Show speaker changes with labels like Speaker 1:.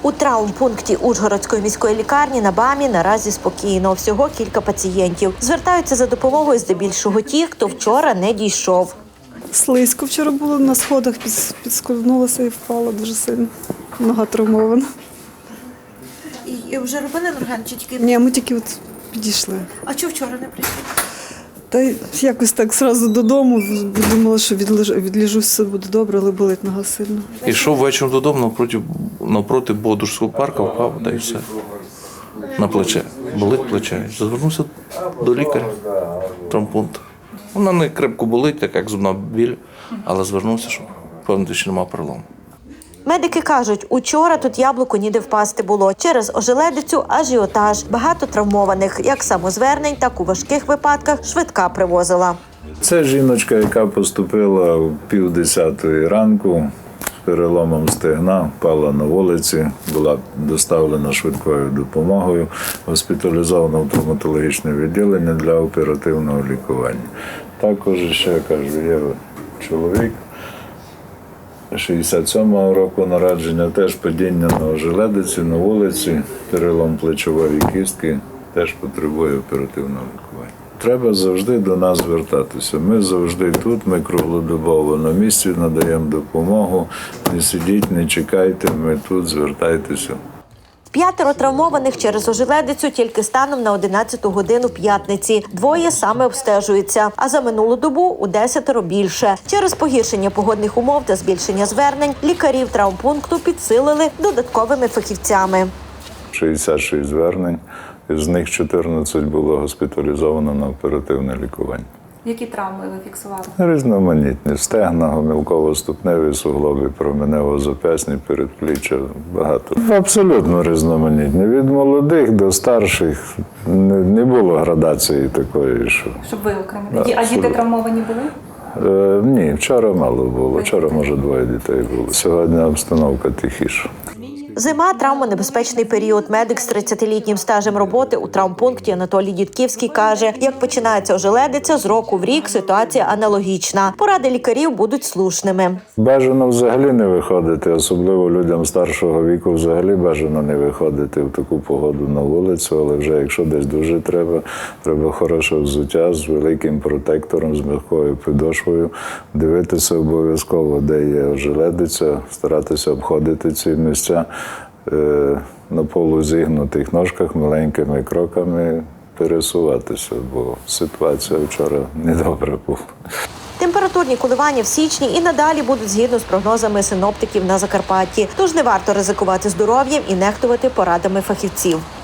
Speaker 1: У травмпункті Ужгородської міської лікарні на БАМі наразі спокійно. Всього кілька пацієнтів. Звертаються за допомогою здебільшого ті, хто вчора не дійшов.
Speaker 2: Слизько вчора було на сходах, підскользнулася і впала дуже сильно. Нога травмована.
Speaker 1: І вже робили рентген чи тільки?
Speaker 2: Ні, ми тільки от підійшли.
Speaker 1: А чого вчора не прийшли?
Speaker 2: Та й якось так одразу додому, думала, що відлежусь, все буде добре, але болить нога сильно.
Speaker 3: Ішов вечором додому, навпроти Бодурського парку, впав, та й все. На плече. Болить плече. Звернувся до лікаря, травмпункту. Вона не крепко болить, так як зубна біль, але звернувся, щоб впевнити, що немає перелому.
Speaker 1: Медики кажуть, учора тут яблуку ніде впасти було. Через ожеледицю ажіотаж. Багато травмованих. Як самозвернень, так у важких випадках швидка привозила.
Speaker 4: Це жіночка, яка поступила о 9:30 ранку з переломом стегна, впала на вулиці, була доставлена швидкою допомогою, госпіталізована в травматологічне відділення для оперативного лікування. Також ще, кажу, є чоловік 67-го року народження, теж падіння на ожеледиці, на вулиці, перелом плечової кістки, теж потребує оперативного лікування. Треба завжди до нас звертатися. Ми завжди тут, ми круглодобово на місці надаємо допомогу. Не сидіть, не чекайте, ми тут, звертайтеся.
Speaker 1: 5 травмованих через ожеледицю тільки станом на 11 годину п'ятниці. 2 саме обстежуються, а за минулу добу у 10 більше. Через погіршення погодних умов та збільшення звернень лікарів травмпункту підсилили додатковими фахівцями.
Speaker 4: 66 звернень, з них 14 було госпіталізовано на оперативне лікування.
Speaker 5: Які травми ви фіксували?
Speaker 4: Різноманітні. Стегна, гомілково-ступневі суглоби, променево-зап'ясні, передпліччя, багато. Абсолютно різноманітні. Від молодих до старших не було градації такої, що...
Speaker 5: Щоб ви окремили. А діти травмовані були?
Speaker 4: Ні, вчора мало було. Вчора, може, 2 дітей було. Сьогодні обстановка тихіша.
Speaker 1: Зима – травмонебезпечний період. Медик з 30-літнім стажем роботи у травмпункті Анатолій Дідківський каже, як починається ожеледиця, з року в рік ситуація аналогічна. Поради лікарів будуть слушними.
Speaker 4: Бажано взагалі не виходити, особливо людям старшого віку взагалі бажано не виходити в таку погоду на вулицю, але вже якщо десь дуже треба хороше взуття з великим протектором, з м'якою підошвою, дивитися обов'язково, де є ожеледиця, старатися обходити ці місця, на полузігнутих ножках маленькими кроками пересуватися, бо ситуація вчора недобра була.
Speaker 1: Температурні коливання в січні і надалі будуть згідно з прогнозами синоптиків на Закарпатті. Тож не варто ризикувати здоров'ям і нехтувати порадами фахівців.